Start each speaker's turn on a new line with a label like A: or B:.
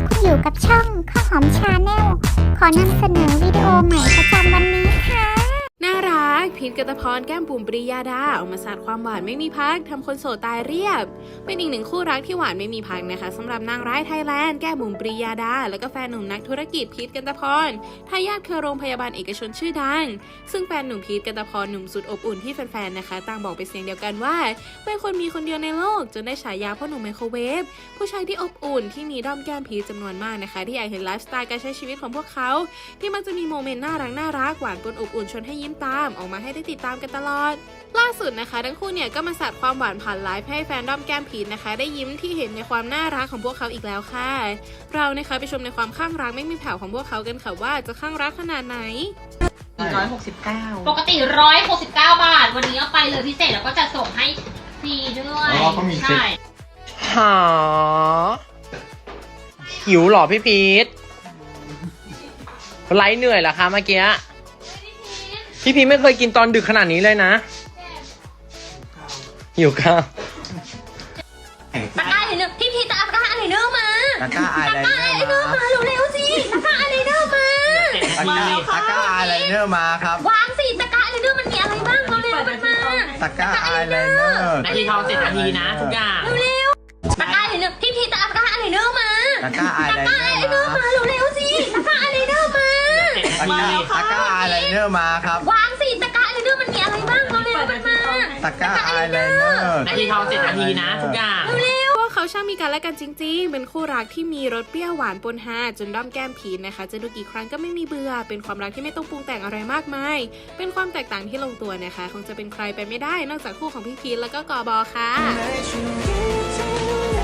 A: คุณอยู่กับช่องข้าวหอมชาแนลขอนำเสนอวิดีโอใหม่ประจำวันนี้ค่ะ
B: น่ารักพีท กัตพรแก้มบุ๋มปริยาดาออกมาสาดความหวานไม่มีพักทำคนโสดตายเรียบเป็นอีกหนึ่งคู่รักที่หวานไม่มีพักนะคะสำหรับนางร้ายไทยแลนด์แก้มบุ๋มปริยาดาแล้วก็แฟนหนุ่มนักธุรกิจพีท กัตพรทายาทเครือโรงพยาบาลเอกชนชื่อดังซึ่งแฟนหนุ่มพีท กัตพรหนุ่มสุดอบอุ่นที่แฟนๆนะคะต่างบอกเป็นเสียงเดียวกันว่าเป็นคนมีคนเดียวในโลกจนได้ฉายาพ่อหนุ่มไมโครเวฟผู้ชายที่อบอุ่นที่มีด้อมแก้มพีทจำนวนมากนะคะที่อยากเห็นไลฟ์สไตล์การใช้ชีวิตของพวกเขาที่มักจะมีโมเมนต์น่ารักหวานปนอบอุ่นชวนให้ยิ้มตามออกมาให้ได้ติดตามกันตลอดล่าสุดนะคะทั้งคู่เนี่ยก็มาสาดความหวานผ่านไลฟ์ให้แฟนด้อมแก้มพีทนะคะได้ยิ้มที่เห็นในความน่ารักของพวกเขาอีกแล้วค่ะเรานะคะไปชมในความข้างรักไม่มีแผ่วของพวกเขากันค่ะว่าจะข้างรักขนาดไหน
C: 169ปกติ169 บาทวันนี้เอาไปเลยพิเศษแล้วก็จะส่งให้ฟรีด้วยใช่
D: หาหิวหรอพี่พีทไลฟ์เหนื่อยเหรอคะเมื่อกี้พี่พีทไม่เคยกินตอนดึกขนาดนี้เลยนะหิวข้าว
C: ตะกร้าอะไรเนอร์พี่จะเอาตะกร้าอะไรเนอร์มา
E: ตะกร้าอะไรเนอร์มา
C: เร็วๆสิตะกร้าอะไรเนอร์มา
E: ตะกร้าอะไรเนอร์มาครับ
C: วางสิตะกร้าอะไรเนอร์มันมีอะไรบ้างเร็วๆมันมา
E: ตะกร้าอะไรเนอร์
D: นาทีทอง7 นาทีนะทุกอย่าง
C: เร็วๆตะกร้าอะไรเนอร์พี่จะเอาตะกร้าอะไรเนอร์มา
E: ตะกร้าอะไรเนอร์มา
C: เร็วๆสิตะกร้าอะไรเนอร์มา
E: ตะกร้าอะไรเนอร์มาครับ
C: วางสิตะกร้าอะไรเนอร์มันมีอะไรบ้างเร็วๆมันมา
E: ตะกร้าอะไรเนอร์
D: นาทีทอง7 นาทีนะทุกอย่าง
B: พวกเขาช่างมีกันและกันจริงๆเป็นคู่รักที่มีรสเปรี้ยวหวานปนฮาจนด้อมแก้มพีทนะคะจะดูกี่ครั้งก็ไม่มีเบื่อเป็นความรักที่ไม่ต้องปรุงแต่งอะไรมากมายเป็นความแตกต่างที่ลงตัวนะคะคงจะเป็นใครไปไม่ได้นอกจากคู่ของพี่พีทแล้วก็กบค่ะ